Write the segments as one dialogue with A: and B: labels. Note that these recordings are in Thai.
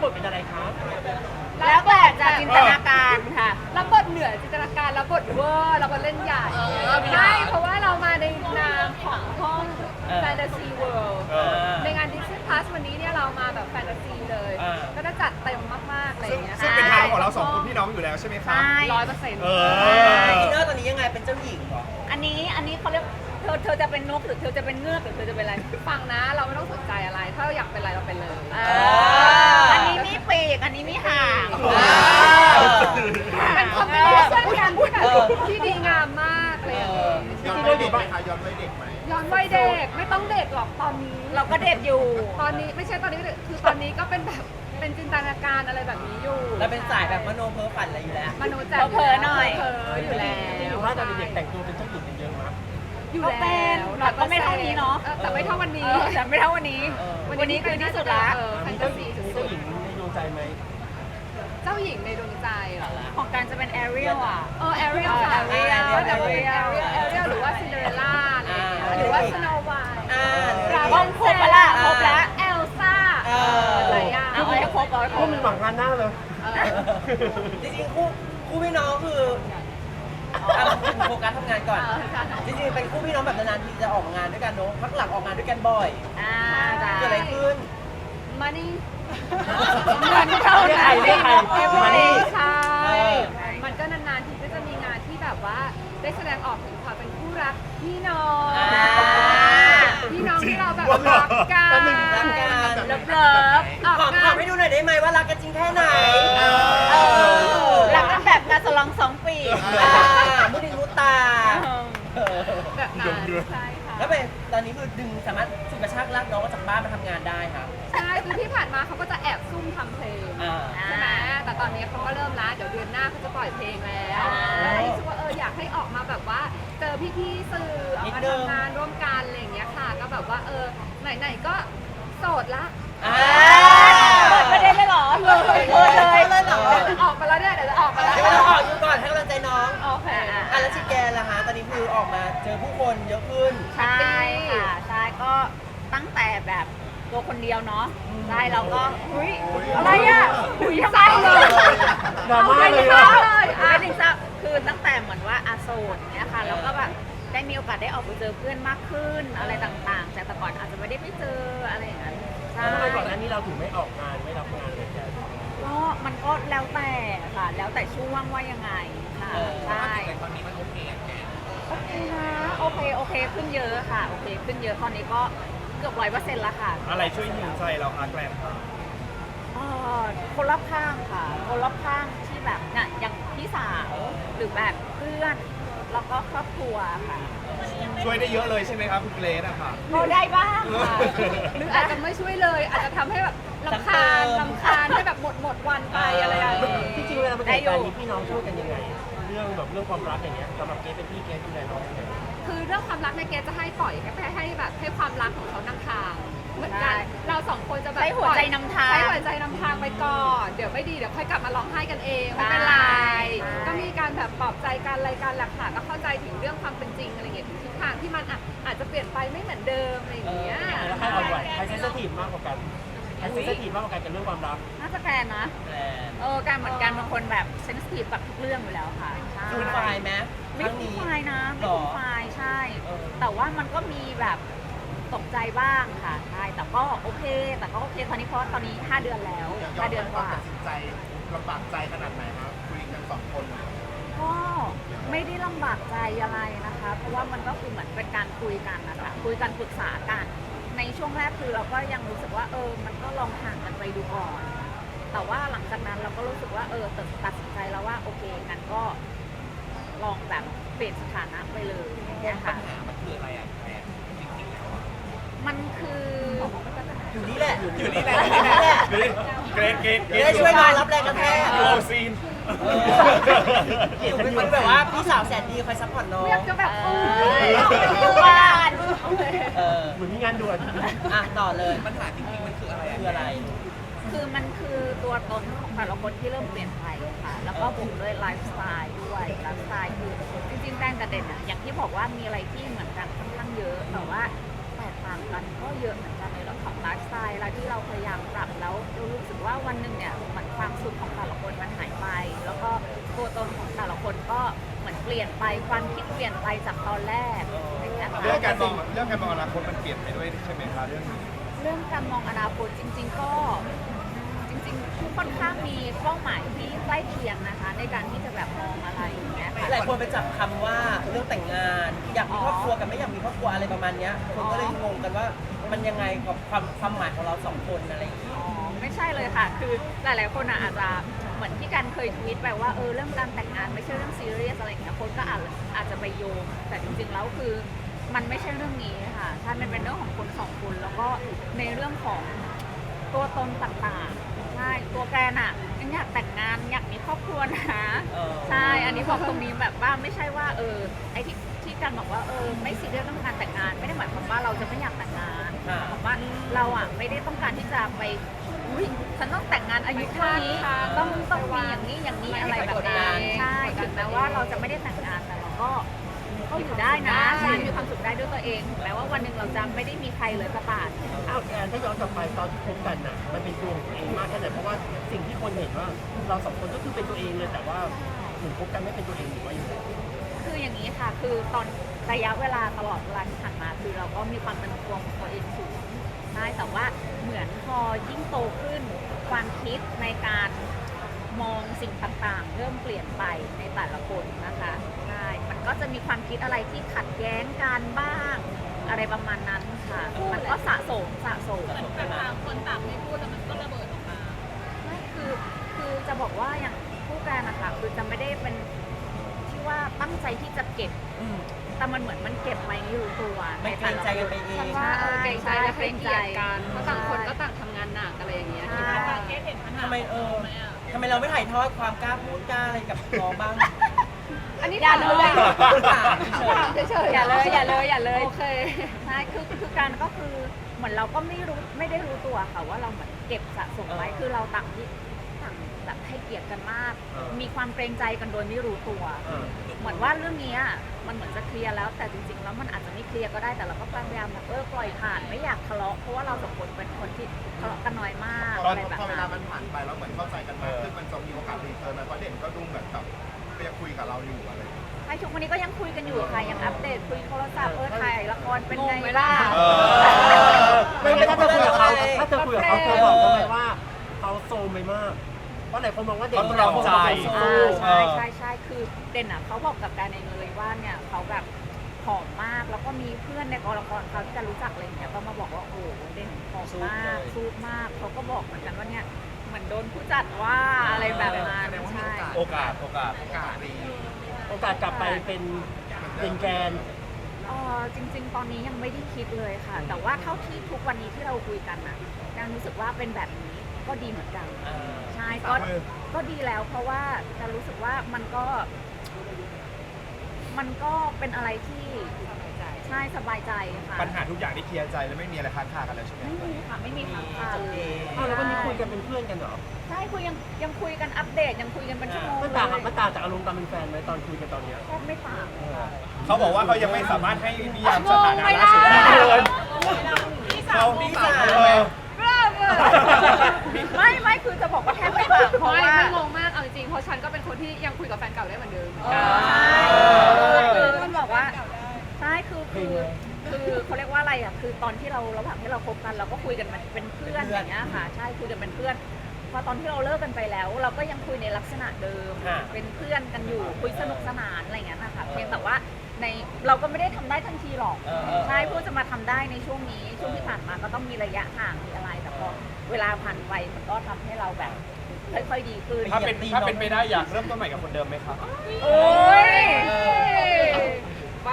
A: บทเป็นอะไรคะ
B: แล้วแต่จะจินตนาการค่ะ
C: รับบทเหนือจินตนาการรับบทเวอร์รับบทเล่นใหญ่ไม่เพราะว่าเรามาในนามของห้องแฟนตาซีเวิลด์ในงาน Disney Plus วันนี้เนี่ยเรามาแบบแฟนตาซีเลย ก็จะจัดเต็มมากๆอะไรอย่างเงี้ย
D: ซึ่งเป็นทางของเราสองคนพี่น้องอยู่แล้วใช่ไหมครับ
C: 100%
A: อินเนอร์ตอนนี้ยังไงเป็นเจ้าหญิงเหรอ
B: อันนี้เขาเรียกเธอจะเป็นนกหรือเธอจะเป็นเงือกหรือเธอจะเป็นอะไร
C: ฟังนะเราไม่ต้องสนใจอะไรถ้าเราอยากเป็นอะไรเราเป็นเลย
B: อันนี้มีปีกอันนี้มีหาง
C: เป็นคอมบิเนชั่นกันที่แบบที่ดีงามมากเลย
D: ย้อนวัยเด็กไหมคะย้อนวัยเด็กไหม
C: ย้อนวัยเด็กไม่ต้องเด็กหรอกตอนนี้
B: เราก็เด็กอยู่
C: ตอนนี้ไม่ใช่ตอนนี้คือตอนนี้ก็เป็นแบบเป็นจินตนาการอะไรแบบนี้อยู่
A: เราเป็นสายแบบมโนเพ้อฝันอะไรอยู่แล้ว
C: มโนใจ
B: เผลอๆหน่อย
C: เผลออยู่แล้ว
A: ที่อยู่ว่าตอนเด็กแต่งตัวเป็นเจ้าหญิงกันเยอะมาก
C: อยู่
B: ก็
C: แล้ว
B: เป็นแต่ก็ไม่เท่านี้เนาะ
C: แต่ไม่เท่าวันนี้
B: แต่ไม่เท่าวันนี้ วันนี้คือที่สุดละ
C: แฟน
A: มี
C: ตา
A: เจ้าห
C: ซี
A: ญิง
C: สุด
A: ในดวงใจไหม
C: ๆเจ้าหญิงในดวงใจเหรอ
B: ของการจะเป็นแอเรียลอ่ะ
C: แอเรียลค่ะ
B: Ariel
C: แอเรียลหรือว่าซินเดอเรลล่าอะไรอย่างเงี้ยหรือว่าสโนว์ไวท์
B: ครบครบปะล่ะครบแล้ว
C: เอลซ่าหลายอย่าง
B: เอาให้ครบเอาให้คร
A: พว
B: บ
A: กมันหวังงานหน้าเลย
E: จริงๆคู่พี่น้องคือโฟกัสทำงานก่อน จริงๆเป็นคู่พี่น้องแบบนานๆทีจะออกงานด้วยกันเนอะพักหลังออกงานด้วยกันบ่อย
B: จ้า
E: เกิดอะไรขึ้น
C: มานี่
B: เงินเท่าไหร่
A: เรียกใคร
C: Money ใช่
E: เออ
C: มันก็นานๆทีก็จะมีงานที่แบบว่าได้แสดงออกถึงความเป็นคู่รักพี่น้อง พี่น้องที่เราแบบรักกัน
E: รักกัน
B: เลิฟเลิฟ
C: ออก
E: ขอ
C: งา
E: ถาน มให้ดูหน่อยได้ไหมว่ารักกันจริงแค่ไหน
B: รักกันแบบงานสลอง2 ปี
E: มุดินมุตา
C: แบบนั้นใช่ค่ะ
E: แล้วเป็นตอนนี้คือดึงสามารถฉุดกระชากลากน้องออกจากบ้านมาทำงานได้ค่ะ
C: ใช่คือที่ผ่านมาเขาก็จะแอบซุ่มทำเพลง ใช่ไหมแต่ตอนนี้เขาก็เริ่มละเดี๋ยวเดือนหน้าเขาจะปล่อยเพลงแล้วแล้วรู้สึกว่าอยากให้ออกมาแบบว่าเจอพี่ๆสื่อออกมาทำงานร่วมกันอะไรอย่างเงี้ยค่ะ ก็แบบว่าไหนๆก็โสดละ
B: เปิดประเด็นเลยเหรอเปิดเลยเหรอ
C: เดี๋ยวจะออกมาแล้วเนี่ยเดี๋ยวจะออกมาแล้ว
E: ให้มันออกอยู่ก่อนให้กำลังใจน้อง
C: โอเค
E: แล้วชิแกนล่ะฮะตอนนี้คือออกมาเจอผู้คนเยอะขึ้น
B: ใช่ค่ะใช่ก็ตั้งแต่แบบตัวคนเดียวเนาะใช่เราก็หุ้ยอะไรอ่ะหุ้ยทำไมเลย
A: ดราม่าเลย
B: อะ
A: อะ
B: ไม่ถึงทราบคือตั้งแต่เหมือนว่าอาโซนเนี่ยค่ะแล้วก็แบบได้มีโอกาสได้ออกไปเจอเพื่อนมากขึ้นอะไรต่างๆจากแต่ก่อนอาจจะไม่ได้ไปเจออะไรอย่างนั้นใช่
A: แล้วทำไมก่อนหน้านี้เราถึงไม่ออกงานไม่รับงานเลยแก
B: ก็มันก็แล้วแต่ค่ะแล้วแต่ช่วงว่ายังไงค่ะใช่โอเคนะโอเคขึ้นเยอะค่ะโอเคขึ้นเยอะตอนนี้ก็เกือบ100%แล้วค่ะ
D: อะไรช่วยหิวใจเราคะแกรม
B: คนรอบข้างค่ะ คนรอบข้างที่แบบเนี่ยอย่างพี่สาวหรือแบบเพื่อนแล้วก็ครอบครัวค่ะ
D: ช่วยได้เยอะเลยใช่ไหมครับคุณเกรซอะค่ะ
B: ก็ได้บ้างค่ะ
C: หรืออาจจะไม่ช่วยเลย อาจจะทำให้แบบลำคาญให้แบบหมดวันไปอะไรอย่างเงี้ย
A: จริงๆเวลาเป็นเหตุการณ์นี้พี่น้องช่วยกันยังไง เรื่องความรักอย่างเงี้ยสำหรับเกเป็นพี่เกดูแลน้องยังไง
C: คือเรื่องความรักในยเกจะให้ปล่อยให้แบบให้ความรักของเขานำทางเหมือนกันเราสองคนจะแบบ
B: ใช้หัวใจนำทาง
C: ใช้หัวใจนำทางไปก่อนเดี๋ยวไม่ดีเดี๋ยวค่อยกลับมาร้องไห้กันเองไม่เป็นไร
B: ใช่
C: ก็มีการแบบปลอบใจกันอะไรกันแหละค่ะก็เข้าใจถึงเรื่องความเป็นจริงอะไรเงี้ยถึงทิศทางที่มันอาจจะเปลี่ยนไปไม่เหมือนเดิมอะไรอย่างเงี้ย
A: แล้วใครอ่อนไหวใครเซนซิทีฟมากกว่ากันใครเซนซิทีฟมากกว่ากันกับเรื่องความรัก
B: น่าจะแฟนนะการเหมือนกันบางคนแบบเซนซิทีฟกับทุกเรื่องอยู่แล้วค่ะใช่
E: ฟูลไฟล์ไหม
B: ไม่
E: ครั้ง
B: คุ้ม
E: นี้
B: ไฟล์นะไม่คุ้มไฟล์ใช่
E: เออ
B: แต่ว่ามันก็มีแบบตกใจบ้างค่ะใช่แต่ก็โอเคตอนนี้เพราะตอนนี้ 5 เดือนแล้ว5 เดือนกว่า
D: ตัดสินใจลำบากใจขนาดไหนครับคุยกันสองคน
B: ก็ไม่ได้ลำบากใจอะไรนะคะ เพราะว่ามันก็คือเหมือนเป็นการคุยกันนะคะคุยกันปรึกษากัน ในช่วงแรกคือเราก็ยังรู้สึกว่ามันก็ลองห่างกันไปดูก่อน แต่ว่าหลังจากนั้นเราก็รู้สึกว่าตัดสินใจแล้วว่าโอเคงั้นก็ลองแบบเปลี่ยนสถานะไปเลยอย่างเงี้ยค่ะ
D: มันคืออะไรอ่ะแกจริงๆแล้วอ่ะ
B: มันคือ
E: อยู่นี่แหละ
D: อยู่นี่แหละ
E: อยู่นี่แหละ
D: เกรซ
E: จะได้ช่วยน้องรับแรงกระแทก
D: อยู่โอซีน
E: อยู่เป็นแบบว่าพี่สาวแสนดีคอยซัพพอร์ตน้อง
C: อยากจะแบบ
B: อยู่บ้าน
A: เหมือนมีงานด่วน
E: ต่อเลย
D: ปัญหาจริงๆมันคืออะไร
E: คืออะไร
B: คือมันคือตัวตนของแต่ละคนที่เริ่มเปลี่ยนไปค่ะ แล้วก็บวกด้วยไลฟ์สไตล์ด้วยไลฟ์สไตล์คือจริงๆแป้งกับเด่นอะอย่างที่บอกว่ามีอะไรที่เหมือนกันค่อนข้างเยอะ แต่ว่าแตกต่างกันก็เยอะเหมือนกันในเรื่องของไลฟ์สไตล์แล้วที่เราพยายามปรับแล้วเรารู้สึกว่าวันหนึ่งเนี่ยเหมือนความสุขของแต่ละคนมันหายไป แล้วก็ตัวตนของแต่ละคนก็เหมือนเปลี่ยนไปความคิดเปลี่ยนไปจากตอนแรกอย่างเงี้ยค่ะ
D: เรื่องการมองอนาคตมันเปลี่ยนไปด้วยใช่ไหมคะเรื่องนี้
B: เรื่องการมองอนาคตจริงๆก็ค่อนข้างมีเป้าหมายที่ใกล้เคียงนะคะ ในการที่จะแบบมองอะไรอย่างเงี้ยค่ะ
E: หลายคนไปจับคำว่าเรื่องแต่งงาน อยากมีครอบครัวกับไม่อยากมีครอบครัวอะไรประมาณเนี้ยคนก็เลยงงกันว่ามันยังไงกับความหมายของเราสองคนอะไรอย่างเงี้ย
B: อ๋อไม่ใช่เลยค่ะ คือหลายๆคนอาจจะเหมือนที่การเคยทวีตไปว่าเรื่องการแต่งงานไม่ใช่เรื่องซีเรียสอะไรอย่างเงี้ยคนก็อาจจะไปโยงแต่จริงๆแล้วคือมันไม่ใช่เรื่องนี้ค่ะถ้ามันเป็นเรื่องของคนสองคนแล้วก็ในเรื่องของตัวตนต่างๆใช่ตัวแกนยังอยากแต่งงานอยากมีครอบครัวนะใช่อันนี้บอกตรงนี้แบบว่าไม่ใช่ว่าไอ้ที่การบอกว่าไม่ซีเรียสเรื่องการแต่งงานไม่ได้หมายความว่าเราจะไม่อยากแต่งงานหมายความว่าเราไม่ได้ต้องการที่จะไปอุ้ยฉันต้องแต่งงานอายุเท่านี้ต้องมีอย่างนี้อะไรแบบนั้นใช่ถึงแม้ว่าเราจะไม่ได้แต่งงานแต่เราก็อยู่ได้นะใช่มีความสุขได้ด้วยตัวเองถึงแม้ว่าวันหนึ่งเราจะไม่ได้มีใครเลยก็ตาม
A: อ้าวแอนถ้าย้อนกลับไปตอนที่คบกันน่ะมันเป็นตัวของตัวเองมากแค่ไหนเพราะว่าสิ่งที่คนเห็นว่าเราสองคนก็คือเป็นตัวเองเลยแต่ว่าถึงคบกันไม่เป็นตัวเองหรือว่าอย่างไร
B: คืออย่างนี้ค่ะ คือตอนระยะเวลาตลอดเวลาที่ผ่านมาคือเราก็มีความเป็นตัวของตัวเองสูงใช่แต่ว่าเหมือนพอยิ่งโตขึ้นความคิดในการมองสิ่งต่างๆ เริ่มเปลี่ยนไปในแต่ละคนนะคะใช่มันก็จะมีความคิดอะไรที่ขัดแย้งกันบ้างอะไรประมาณนั้นค่ะ มันก็สะสม
C: แต่ต่างคนต่างไม่พูดแล้วมันก็ระเบิดออกมา
B: ไม่คือจะบอกว่าอย่างผู้การนะคะคือจะไม่ได้เป็นที่ว่าตั้งใจที่จะเก็บแต่มันเหมือนมันเก็บไว้ไม่รู้ตัว
E: ไม่เกรงใจกันไปเอง
C: ฉันว่าเกรงใจและให้เกียรติกันเพราะต่างคนก็ต่างทำงานหนักอะไรอย่างเงี้ยคิดว่าเกรซเห็นปัญหา
E: ทำไมทำไมเราไม่ถ่ายทอดความกล้าพูดกล้าอะไรกับน้องบ้าง
C: อันนี้
B: อย่าเลย
C: เฉยๆ
B: อย่าเลยโอเคใช่คือการก็คือเหมือนเราก็ไม่ได้รู้ตัวค่ะว่าเราเหมือนเก็บสะสมไว้คือเราต่างแบบให้เกียรติกันมาก มีความเกรงใจกันโดยไม่รู้ตัว เหมือนว่าเรื่องนี้มันเหมือนจะเคลียร์แล้วแต่จริงๆแล้วมันอาจจะไม่เคลียร์ก็ได้แต่เราก็พยายามแบบปล่อยผ่านไม่อยากทะเลาะเพราะว่าเราสองคนเป็นคนที่ทะเลาะกันน้อยมาก
D: ตอน
B: อะไรแบบ
D: พอเวลา
B: นั้น
D: มันผ่านไปแล้วเหมือนเข้าใจกันมากขึ้นมันจะมีโอกาสรีเทิร์นมาเพราะเด่นก็ดูเหมือนแบบก็ยังคุยกับเราอยู่อะไรอย่างเงี้ย
B: ไอ้ทุกวันนี้ก็ยังคุยกันอยู่ค่ะยังอัปเดตคุยโทรศัพท์ถ่ายละครเป็นไงบ้าง
A: ไม่ถ้าเธอคุยกับเขาเธอบอกเขาไหมว่าเขาโซมไปมากเพราะหลายคนมองว่าเด่นเราใจ
B: ใช่คือเด่นเขาบอกกับการในเลยว่าเนี่ยเขาแบบผอมมากแล้วก็มีเพื่อนในกองละครเขาที่จะรู้จักอะไรอย่างเงี้ยก็มาบอกว่าโอ้เด่นผอมมากสู้มากเขาก็บอกเหมือนกันว่าเนี่ยเหมือนโดนผู้จัดว่าอะไรแบบนั้นใช่
D: โอกาสดี
A: โอกาสกลับไปเป็นแกน
B: จริงๆ ตอนนี้ยังไม่ได้คิดเลยค่ะ แต่ว่าเท่าที่ทุกวันนี้ที่เราคุยกันยังรู้สึกว่าเป็นแบบนี้ก็ดีเหมือนกันใช่ก็ดีแล้วเพราะว่าจะรู้สึกว่ามันก็เป็นอะไรที่ใช่สบายใจค่ะ
D: ปัญหาทุกอย่างที่เคลียร์ใจแล้วไม่มีอะไรค้างคากันแล้วใช่ไหม
B: ไม่มีค้างคาเลย
A: แล้ววันนี้คุยกันเป็นเพื่อนกันเหรอ
B: ใช่ยังคุยกันอัปเดตยังคุยกันเป็นชั่วโมง
A: มันต่างจากอารมณ์ตอนเป็นแฟนไหมตอนคุยกันตอนเนี้ย
B: แทบไม่ต่าง
D: เขาบอกว่าเขายังไม่สามารถให้นิยามสถานะล่าสุดได้เลยเขาพี่สาว
B: ไม่คือจะบอกว่าแทบไม่ต่างเพราะว่า
C: ไม่งงมากเอาจริงเพราะฉันก็เป็นคนที่ยังคุยกับแฟนเก่าได้เหมือนเดิม
B: คือมันบอกว่าใช่คือเขาเรียกว่าอะไรคือตอนที่เราระหว่างที่เราคบกันเราก็คุยกันเป็นเพื่อนอย่างเงี้ยค่ะใช่คุยกันเป็นเพื่อนพอตอนที่เราเลิกกันไปแล้ว เราก็ยังคุยในลักษณะเดิมเป็นเพื่อนกันอยู่คุยสนุกสนานอะไรอย่างเงี้ยนะคะเพียงแต่ว่าเราก็ไม่ได้ทำได้ทันทีหรอกใช่เพื่อจะมาทำได้ในช่วงนี้ช่วงที่ผ่านมาก็ต้องมีระยะห่างมีอะไรแต่พอเวลาผ่านไปมันก็ทำให้เราแบบค่อยๆดีขึ้น
D: ถ้าเป็นไปได้อยากเริ่มต้นใหม่กับคนเดิมไหมครับ
B: โอ้ย
C: ไป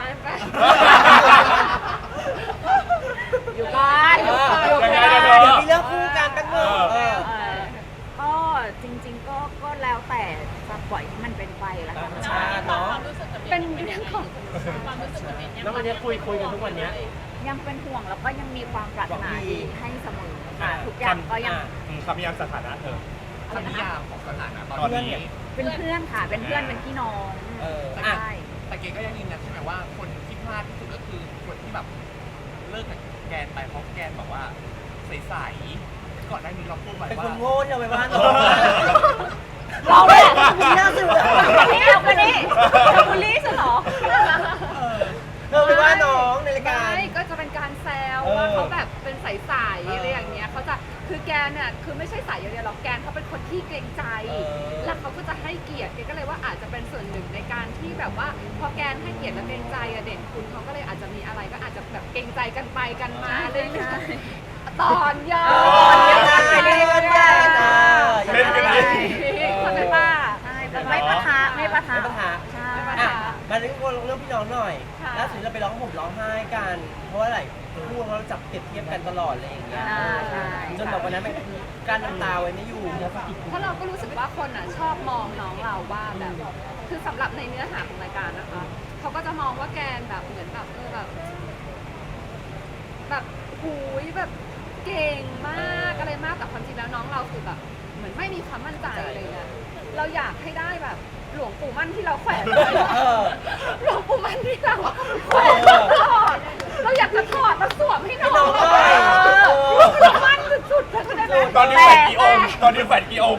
B: อยู่บ้าน
E: เดี๋ยวมีเรื่องคู่กันแป๊บนึง
B: ก็จริงๆก็แล้วแต่จะปล่อยให้มันเป็นไปแล้วกัน
E: ใช่เนาะ
C: เป็นเรื่องของ
A: แล้ววันนี้คุยกันทุกวันเนี้ย
B: ยังเป็นห่วงแล้วก็ยังมีความปรารถนาดีให้เสมอค่ะทุกอย่างก็ยัง
D: คำนิยามสถานะเธอคำนิยามของสถานะตอนนี้
B: เป็นเพื่อนค่ะเป็นเพื่อนเป็นพี่น้องใช่
F: แต่เกก็ยังยืนยันใช่ไหมว่าคนที่พลาดที่สุดก็คือคนที่แบบเลิกกับแกนไปเพราะแกนแบบว่าใสๆก่อนหน้านี้เราพูดไว้
E: เป็น
F: ว่า
E: คนโง่ที่เราไปว่าน้อง
B: เราแหละ
E: ไม่น่าเชื่อ
B: นี่เอาไปนี่เธอบูลลี่ฉันเหรอ
E: เธอไปว่าน้องในรายการ
C: ไม่ก็จะเป็นการแซว
E: เออ
C: ว่าเขาแบบเป็นใสๆ
E: เอออ
C: อะไรอย่างเงี้ยเขาจะคือแกเนี่ยคือไม่ใช่ใสอย่างเดียวหรอกแกนเขาเป็นคนที่เกรงใจ
E: เออ
C: แล้วเขาก็จะให้เกียรติแกก็เลยว่าอาจจะเป็นส่วนหนึ่งในการที่แบบว่าพอแกนให้เกียรติและเกรงใจอะเด่นคุณเขาก็เลยอาจจะมีอะไรก็อาจจะแบบเกรงใจกันไปกันมาเรื่อยๆตอนยา
B: ไปเรื่อยๆ
D: เล่นกันเอง
C: เข้าใจป่ะ
B: ใช่แต่ไม่ปะทะไม่ปะทะ
E: ไม่ปะทะ
B: ใช่
E: อ่ะมาเรื่องพี่น้องหน่อย
C: ค่ะ
E: ล่าสุดเราไปร้องห่มร้องไห้กัน เพราะว่าอะไรคู่เราจับเปรียบเทียบกันตลอดอะไรอย่างเงี้ย
B: ใช่
E: จนแบบวันนั้นมันการน้ำตาไว้ไม่อยู่
C: เพราะเราก็รู้สึกว่าคนอ่ะชอบมองน้องเราว่าแบบ คือสำหรับในเนื้อหาของรายการนะคะเขาก็จะมองว่าแกนแบบเหมือนแบบแบบหูยแบบเก่งมากอะไรมากแต่ความจริงแล้วน้องเราคือแบบเหมือนไม่มีความมั่นใจอะไรเงี้ยเราอยากให้ได้แบบหลวงปู่มั่นที่เราแขวนไว้
E: เออ
C: หลวงปู่มั่นที่เราแขวนตลอดเราอยากจะถอดมาสวมให้น้อง
E: ให้น้องด้วย
C: หลวงปู่มั่นสุดๆเลยได้ไหม
D: ตอนนี้แขวนกี่องค์ตอนนี้แขวนกี่องค์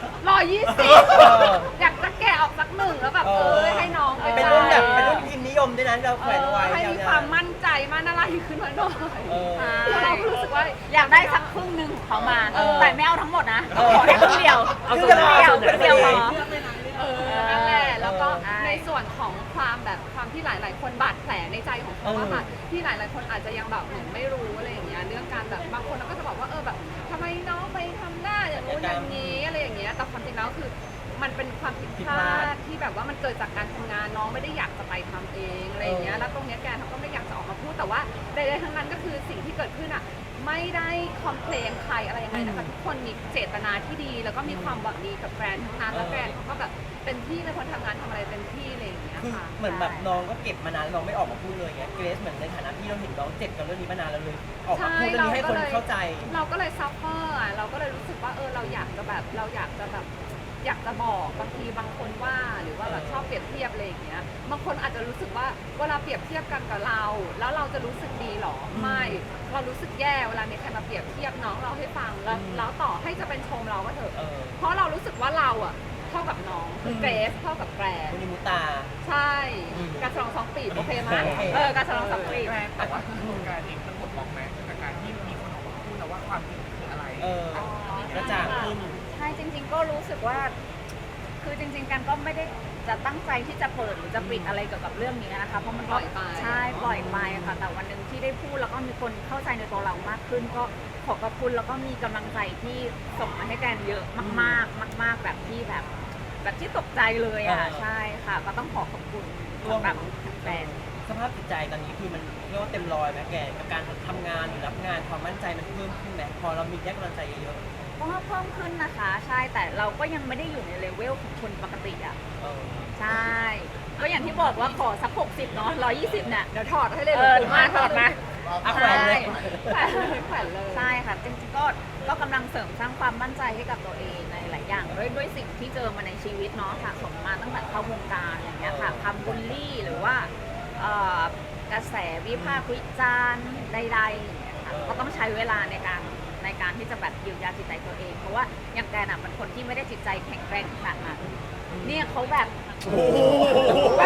C: อยากจะแกะออกสักหนึ่งแล้วแบบให้น้องไป
E: เป็นรุ่นแบบเป็นรุ่นพิมพ์นิยมด้วยนะเราแขวนไว้
C: ให้มีความมั่นใจมั่นอะไรขึ้นมาหน่อย
E: เออ
C: เราก็รู้สึกว่า
B: อยากได้สักครึ่งหนึ่งของเขามา แต่ไม่เอาทั้งหมดนะ
E: เออ
B: ขอแค่ครึ่งเดียว
E: เอา
B: ค
E: ส่
B: รึ่
E: วน
B: ง
E: ไหน
B: เดียว
E: ส่วนไหน
B: ครึ่งเดียวพอ
C: นั่นแหละแล้วก็
B: ใช่
C: ในส่วนของความแบบความที่หลาย ๆ คนบาดแผลในใจของเขาอะค่ะที่หลาย ๆ คนอาจจะยังแบบเหมือนไม่รู้อะไรอย่างเงี้ยเรื่องการแบบบางคนก็จะบอกว่าแบบทำไมน้องไปทำหน้าอย่างนู้นอย่างนี้อะไรอย่างเงี้ยแต่ความจริงแล้วคือมันเป็นความผิดพลาดที่แบบว่ามันเกิดจากการทำงานน้องไม่ได้อยากจะไปทำเองอะไรอย่างเงี้ยแล้วตรงเนี้ยแกเขาก็ไม่อยากจะออกมาพูดแต่ว่าใดๆทั้งนั้นก็คือสิ่งที่เกิดขึ้นอะไม่ได้คอมเพลนใครอะไรยังไงนะคะทุกคนมีเจตนาที่ดีแล้วก็มีความหวังดีกับแบรนด์ทั้งนั้นแล้วแบรนด์เขาก็แบบเต็มที่เป็นคนทำงานทำอะไรเต็มที่อะไรอย่างเงี้ย
E: คือ
C: ค่ะ
E: เหมือนแบบน้องก็เก็บมานานแล้วน้องไม่ออกมาพูดเลยไงเกรซเหมือนในฐานะที่เราเห็นน้องเจ็บกับเรื่องนี้มานานแล้วเลย ออกมาพูดเรื่องนี้ให้คนเข้าใจ
C: เราก็เลยซัฟเฟอร์เราก็เลยรู้สึกว่าเราอยากจะแบบอยากจะบอกบางทีบางคนว่าหรือว่าแบบชอบเปรียบเทียบอะไรอย่างเงี้ยบางคนอาจจะรู้สึกว่าเวลาเปรียบเทียบกันกับเรา แล้วเราจะรู้สึกดีหรอไม่เรารู้สึกแย่เวลามีใครมาเปรียบเทียบน้องเราให้ฟังแล้วต่อให้จะเป็นชมเราก็เถอะ
E: เออ
C: เพราะเรารู้สึกว่าเราอะเท่ากับน้องคือเกรซเท่ากับแกรน
E: คุณนิมุตา
C: ใช่
E: อืม
C: การฉลอง2 ปีโอเคไหม
E: โอเค
C: การฉลอง2 ปี
F: แต่ว่าโครงการเองมันหมดมองไหมจากการที่มีคนออกมาพูดแล้วว่าความจริงคืออะไร
E: เออ กระจ่างขึ้น
B: ใช่จริง ๆ ก็รู้สึกว่า คือจริง ๆ กันก็ไม่ได้จะตั้งใจที่จะเปิดหรือจะปิดอะไรเกี่ยวกับเรื่องนี้นะคะเพราะมันก็
C: ปล่อยไป
B: ใช่ปล่อยไปค่ะแต่วันหนึ่งที่ได้พูดแล้วก็มีคนเข้าใจในตัวเรามากขึ้น ก็ขอบพระคุณแล้วก็มีกำลังใจที่ส่งมาให้แกนเยอะมากๆมาก ๆ แบบที่แบบที่ตกใจเลยอ่ะ
E: เออ
B: ใช่ค่ะ ก็ต้องขอขอบคุณ
E: ร่วม
B: สำหรับแฟน
E: สภาพจิตใจตอนนี้คือมันเรียกว่าเต็มร้อยไหมแกกับการทำงานหรือรับงานความมั่นใจมันเพิ่มขึ้นไหมพอเรามีแยกกำลังใจเยอะ
B: ก็เพิ่มขึ้นนะคะ ใช่แต่เราก็ยังไม่ได้อยู่ในเลเวลของคนปกติอ่ะ
E: ๆเออ
B: ใช่ ก็อย่างที่บอกว่าขอสัก60เนาะ120เนี่ย
C: เดี๋ยวถอดให้เลย
B: มาถอดมา
E: เอาแขวนเลย
C: แขวนเลย
B: ใช่ค่ะจริงๆก็กำลังเสริมสร้างความมั่นใจให้กับตัวเองในหลายอย่างด้วยสิ่งที่เจอมาในชีวิตเนาะค่ะสมมาตั้งแต่เข้าวงการอย่างเงี้ยค่ะคำบูลลี่หรือว่ากระแสวิพากษ์วิจารณ์ใดๆอย่างเงี้ยค่ะก็ต้องใช้เวลาในการที่จะแบบเยียวยาจิตใจตัวเอง เพราะว่าอย่างแกน่ะเป็นคนที่ไม่ได้จิตใจแข็งแกร่งขนาดนั้นเนี่ยเขาแบบ แบบ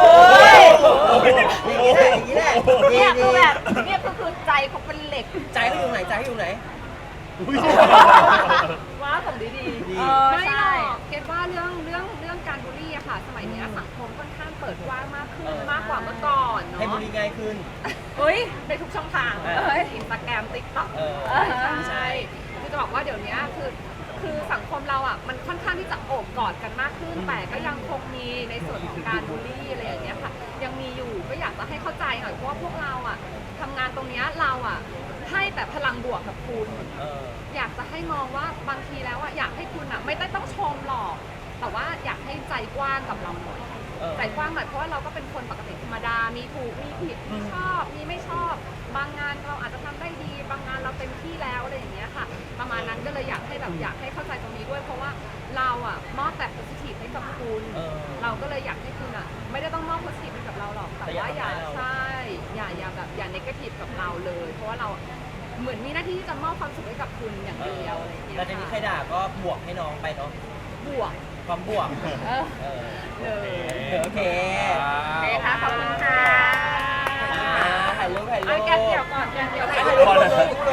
E: อย่างนี้แหละอย่างนี้แหละ
B: เนี่ยคือแบบเนี่ยคือใจเขาเป็นเหล็ก
E: ใจเขาอยู่ไหนใจเขาอยู่ไหน
B: ว้าผมดี
E: ดี
C: ไม่หร
B: ใช่
C: อกเก็ตว่าเรื่องการบูลลี่อะค่ะ สมัยเนี้ยสังคมค่อนข้างเปิดกว้างมากขึ้นมากกว่าเมื่อก่อนเนาะ
E: ให้บุรีง่ายขึ้น
B: เฮ้ย
C: ในทุกช่องทาง
E: เออ
C: อินสตาแกรมติ๊กต็อก
E: เออ
C: ใช่คือจะบอกว่าเดี๋ยวนี้คือสังคมเราอ่ะมันค่อนข้างที่จะโอบกอดกันมากขึ้น แต่ก็ยังคงมีในส่วนของการบูลลี่อะไรอย่างเงี้ยค่ะ ยังมีอยู่ก็อยากจะให้เข้าใจหน่อยเพราะว่าพวกเราอ่ะทำงานตรงเนี้ยเราอ่ะให้แต่พลังบวกกับคุณ
E: เออ
C: อยากจะให้มองว่าบางทีแล้วอ่ะอยากให้คุณอ่ะไม่ได้ต้องชมหรอก แต่ว่าอยากให้ใจกว้างกับเราหน่อย ใจกว้างหน่อยเพราะว่าเราก็เป็นคนปกติธรรมดา มีถูก มีผิด มีชอบ มีไม่ชอบ บางงานเราอาจจะทำได้ดี บางงานเราเต็มที่แล้วอะไรอย่างเงี้ยค่ะ ประมาณนั้นก็เลยอยากให้เข้าใจตรงนี้ด้วย เพราะว่าเราอ่ะมอบแต่ positive ให้กับคุณ เราก็เลยอยากให้คุณอ่ะไม่ได้ต้องมอบ positive ให้กับเราหรอก แต่ว่าอย่าใช่อย่าแบบอย่า negative กับเราเลย เพราะว่าเราเหมือนมีหน้าที่ที่จะมอบความสุขให้กับคุณอย่างเดียวอะไรอย่างเงี้ย
E: แล้วทีนี้ใครด่าก็บวกให้น้องไปเนาะ
C: บวก
E: ความบวก
C: เออ
E: เออ
C: เลย
E: โอเค
B: โอเคค่ะ ขอบคุณค่ะ
E: ถ่ายรูป
C: เอาแกนเดี่ยวก่อนแกนเดี่ยว
E: ถ่ายรูป